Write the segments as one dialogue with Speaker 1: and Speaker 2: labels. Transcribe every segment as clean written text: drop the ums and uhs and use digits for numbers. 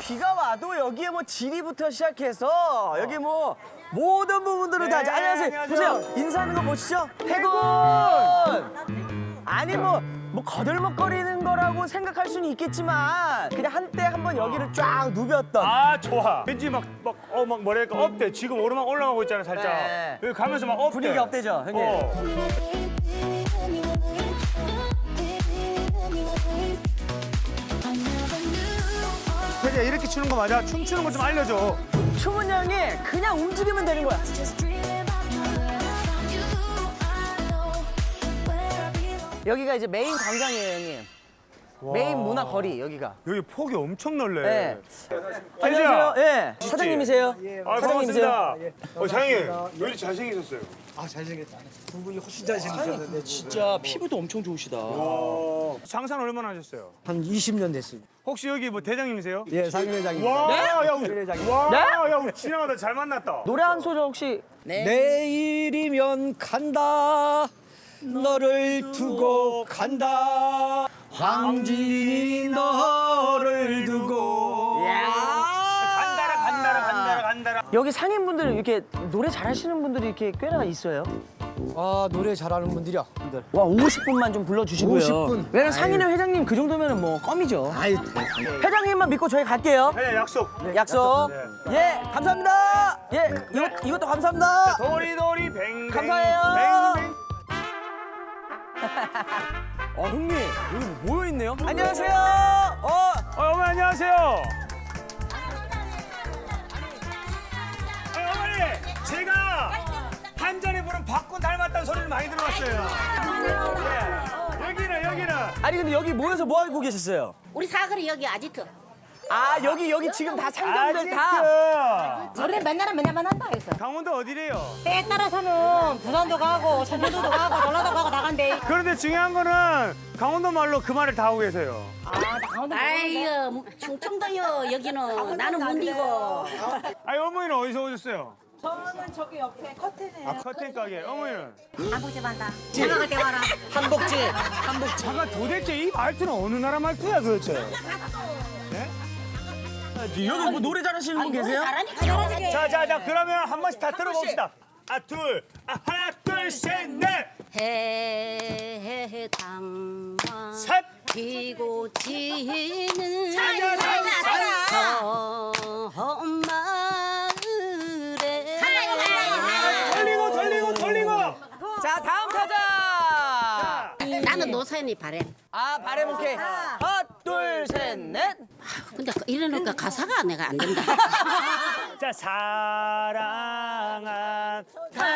Speaker 1: 비가 와도 여기에 뭐 지리부터 시작해서 여기 뭐 모든 부분들을 다. 안녕하세요. 보세요. 인사하는 거 보시죠. 해군. 아니 뭐 거들먹거리는 거라고 생각할 수는 있겠지만 그냥 한때 한번 여기를 쫙 누볐던.
Speaker 2: 아 좋아. 왠지 막 뭐랄까 업돼. 지금 오르막 올라가고 있잖아 살짝.
Speaker 1: 네.
Speaker 2: 여기 가면서 막 업돼.
Speaker 1: 분위기 업되죠, 형님?
Speaker 2: 태리야 이렇게 추는 거 맞아? 춤추는 거 좀 알려줘.
Speaker 1: 춤은 형이 그냥 움직이면 되는 거야. 여기가 이제 메인 광장이에요, 형님. 메인 문화 거리 여기가.
Speaker 2: 여기 폭이 엄청 넓네.
Speaker 1: 네.
Speaker 2: 태리야.
Speaker 1: 안녕하세요. 예. 사장님이세요?
Speaker 2: 아 반갑습니다. 사장님 왜 이렇게 잘생기셨어요?
Speaker 3: 아 잘생겼다. 두 분이 훨씬 잘생기셨는데
Speaker 1: 진짜 피부도 엄청 좋으시다.
Speaker 2: 장사는 얼마나 하셨어요?
Speaker 3: 한 20년 됐습니다.
Speaker 2: 혹시 여기 뭐 대장님이세요?
Speaker 3: 예, 상임회장입니다.
Speaker 2: 와, 야, 우리,
Speaker 3: 상임회장님.
Speaker 2: 와,
Speaker 1: 네?
Speaker 2: 야, 우리 지나가다 잘 만났다.
Speaker 1: 노래 한 소절 혹시?
Speaker 3: 내일이면 간다. 너를 두고 간다. 황진이 너를 두고.
Speaker 2: 간다라.
Speaker 1: 여기 상인분들 이렇게 노래 잘하시는 분들이 이렇게 꽤나 있어요.
Speaker 3: 아 노래 잘하는 분들이요.
Speaker 1: 와 50분만 좀 불러주시고요.
Speaker 3: 50분?
Speaker 1: 왜냐면 상인회 회장님 그 정도면은 뭐 껌이죠.
Speaker 3: 아유,
Speaker 1: 회장님만 믿고 저희 갈게요.
Speaker 2: 그냥 약속.
Speaker 1: 약속. 예, 감사합니다. 예, 이것도 감사합니다.
Speaker 2: 도리도리 뱅뱅.
Speaker 1: 감사해요.
Speaker 2: 뱅뱅.
Speaker 1: 형님 여기 모여 있네요. 안녕하세요.
Speaker 2: 어머니 안녕하세요. 어머니 제가 한 잔에 부른 박군 닮았다는 소리를 많이 들어봤어요. 예. 여기는.
Speaker 1: 아니 근데 여기 모여서 뭐 하고 계셨어요?
Speaker 4: 우리 사거리 여기 아지트.
Speaker 1: 아 여기 지금 다 상점들 다.
Speaker 2: 아지트.
Speaker 4: 원래 맨날은 맨날만 한다 해서.
Speaker 2: 강원도 어디래요?
Speaker 4: 때에 따라서는 부산도 가고 전라도도 가고 전라도 가고 나간대.
Speaker 2: 그런데 중요한 거는 강원도 말로 그 말을 다 하고 계세요.
Speaker 4: 아이고 충청도요 여기는 나는 못 이고.
Speaker 2: 아니 어머니는 어디서 오셨어요?
Speaker 5: 저는 저기 옆에 커튼에
Speaker 2: 아 커튼 가게. 어머니는?
Speaker 4: 아버지 만다. 생각할 때 와라.
Speaker 1: 한복집.
Speaker 2: 잠깐 도대체 이 말투는 어느 나라 말투야 도대체?
Speaker 1: 여기 뭐 노래 잘하시는 분 계세요?
Speaker 4: 잘하니까 잘하지.
Speaker 2: 자 그러면 한 번씩 다 들어봅시다. 하나 둘 셋 넷.
Speaker 4: 해당화
Speaker 2: 셋.
Speaker 4: 피고 지는
Speaker 2: 사자.
Speaker 4: 마을에
Speaker 2: 돌리고.
Speaker 1: 자 다음 타자.
Speaker 4: 나는 노사연이 바래.
Speaker 1: 아 바램 오케이. 하나 둘 셋 넷.
Speaker 4: 근데 이러니까 가사가 내가 안 된다.
Speaker 2: 자 사랑한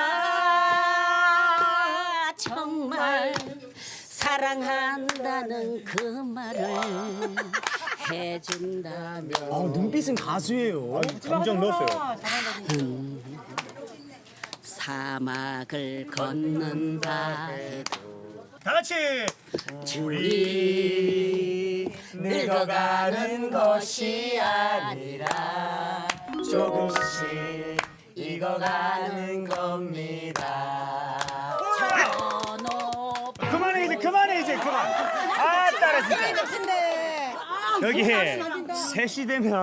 Speaker 4: 아, 정말 사랑한다는 그 말을 해준다면
Speaker 1: 눈빛은 가수예요.
Speaker 2: 감정 넣었어요.
Speaker 4: 사막을 걷는다 해도
Speaker 2: 다 같이
Speaker 4: 우리 늙어가는 것이 아니라 조금씩 익어가는 겁니다.
Speaker 2: 그만해 이제 그만. 아 따라 진짜. 여기 3시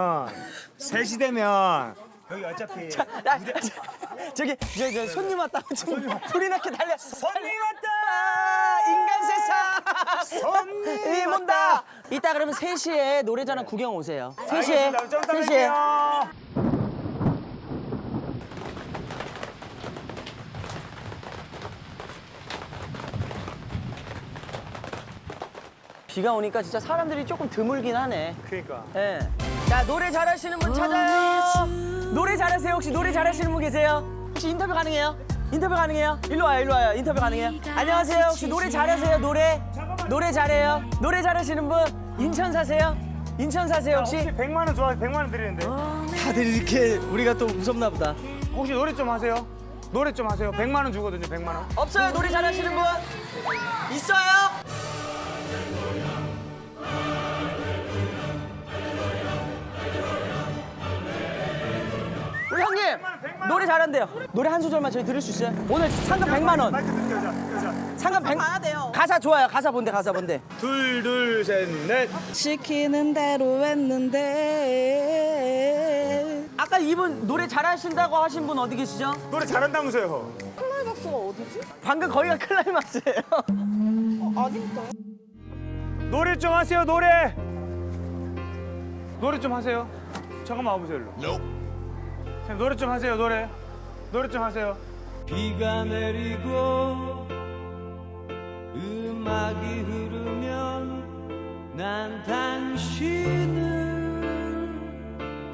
Speaker 2: 되면 여기 어차피
Speaker 1: 저기 저 손님 왔다. 불이 나게 달려.
Speaker 2: 손님 왔다.
Speaker 1: 인간 세상.
Speaker 2: 손님
Speaker 1: 온다. 이따 그러면 3시에 노래자랑 구경 오세요. 3시에.
Speaker 2: 알겠습니다. 좀 이따
Speaker 1: 3시에.
Speaker 2: 뵐게요.
Speaker 1: 비가 오니까 진짜 사람들이 조금 드물긴 하네.
Speaker 2: 그러니까.
Speaker 1: 예. 자 노래 잘하시는 분 찾아요. 노래 잘하세요. 혹시 노래 잘하시는 분 계세요? 혹시 인터뷰 가능해요? 인터뷰 가능해요? 일로 와요. 인터뷰 가능해요? 안녕하세요. 혹시 노래 잘하세요? 노래 잘해요? 노래 잘하시는 분 인천 사세요? 인천 사세요 혹시?
Speaker 2: 혹시 100만 원 좋아해? 100만 원 드리는데.
Speaker 1: 다들 이렇게 우리가 또 무섭나 보다.
Speaker 2: 혹시 노래 좀 하세요? 노래 좀 하세요. 100만 원 주거든요. 100만 원.
Speaker 1: 없어요? 노래 잘하시는 분? 있어요? 우리 형님 노래 잘한대요. 노래 한 소절만 저희 들을 수 있어요? 오늘 상금 100만 원.
Speaker 2: 마이크 느껴자.
Speaker 1: 상금 100.
Speaker 5: 봐야 돼요.
Speaker 1: 가사 좋아요. 가사 본데 가사 본데.
Speaker 2: 둘, 셋, 넷.
Speaker 5: 시키는 대로 했는데.
Speaker 1: 아까 이분 노래 잘하신다고 하신 분 어디 계시죠?
Speaker 2: 노래 잘한다면서요.
Speaker 5: 클라이막스가 어디지?
Speaker 1: 방금 거기가 클라이막스예요.
Speaker 5: 아닌가?
Speaker 2: 노래 좀 하세요, 노래. 노래 좀 하세요. 잠깐만 와보세요, 일로. 선생님, 노래 좀 하세요, 노래. 노래 좀 하세요.
Speaker 6: 비가 내리고 음악이 흐르면 난 당신을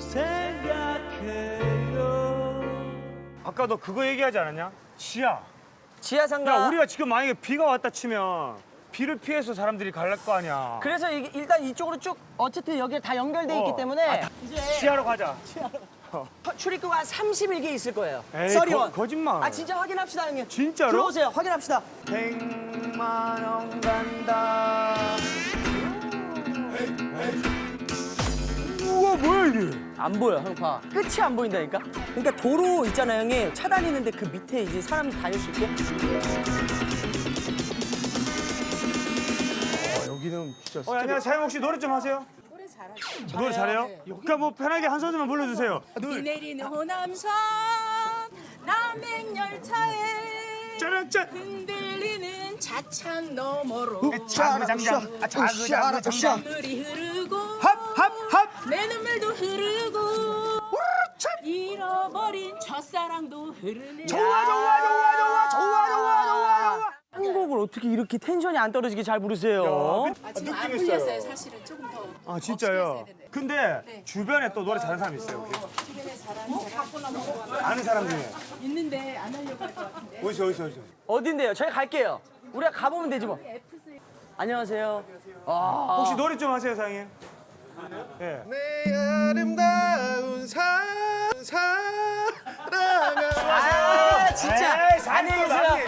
Speaker 6: 생각해요.
Speaker 2: 아까 너 그거 얘기하지 않았냐? 지하.
Speaker 1: 지하
Speaker 2: 야,
Speaker 1: 상가.
Speaker 2: 우리가 지금 만약에 비가 왔다 치면 비를 피해서 사람들이 갈 거 아니야.
Speaker 1: 그래서 일단 이쪽으로 쭉 어쨌든 여기에 다 연결돼 있기
Speaker 2: 어.
Speaker 1: 때문에
Speaker 2: 지하로 가자.
Speaker 1: 출입구가 한 31개 있을 거예요.
Speaker 2: 에이,
Speaker 1: 써리원.
Speaker 2: 거짓말.
Speaker 1: 아 진짜 확인합시다 형님.
Speaker 2: 진짜로?
Speaker 1: 들어오세요. 확인합시다.
Speaker 2: 100만 원 간다. 우와, 뭐야 이게?
Speaker 1: 안 보여 형 봐. 끝이 안 보인다니까. 그러니까 도로 있잖아요 형님. 차단 있는데 그 밑에 이제 사람이 다닐 수 있게.
Speaker 2: 여기는 진짜. 안녕하세요. 사장님 혹시 노래 좀 하세요?
Speaker 5: 노래 잘하죠.
Speaker 2: 노래 잘해요? 그러니까 뭐 편하게 한 소절만 불러주세요.
Speaker 5: 비 내리는 호남선 남행열차에
Speaker 2: 짜란짠.
Speaker 5: 흔들리는 자창 너머로
Speaker 2: 자그장장. 자그장장.
Speaker 5: 물이 흐르고
Speaker 2: 합합합.
Speaker 5: 내 눈물도 흐르고 잃어버린 첫사랑도 흐르네.
Speaker 2: 좋아.
Speaker 1: 한 곡을 어떻게 이렇게 텐션이 안 떨어지게 잘 부르세요?
Speaker 5: 지금 안 풀렸어요. 사실은 조금 더.
Speaker 2: 아 진짜요? 근데 주변에 또 노래 잘하는 사람 있어요 혹시?
Speaker 5: 주변에 잘하는 사람
Speaker 2: 아는 사람 중에
Speaker 5: 있는데 안 하려고 할 것 같은데.
Speaker 2: 어디서?
Speaker 1: 어딘데요? 저희 갈게요. 우리가 가보면 되지 뭐. 안녕하세요. 아,
Speaker 2: 혹시 노래 좀 하세요 사장님? 예.
Speaker 6: 내 아름다운 사랑아.
Speaker 1: 아 진짜.
Speaker 2: 에이,
Speaker 1: 안녕히 계세요.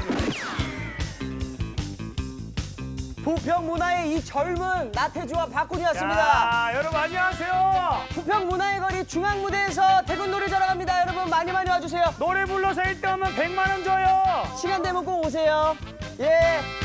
Speaker 1: 부평 문화의 이 젊은 나태주와 박군이었습니다.
Speaker 2: 야, 여러분 안녕하세요.
Speaker 1: 부평 문화의 거리 중앙 무대에서 태국 노래 자랑합니다. 여러분 많이 와주세요.
Speaker 2: 노래 불러서 1등 하면 100만 원 줘요.
Speaker 1: 시간 되면 꼭 오세요. 예.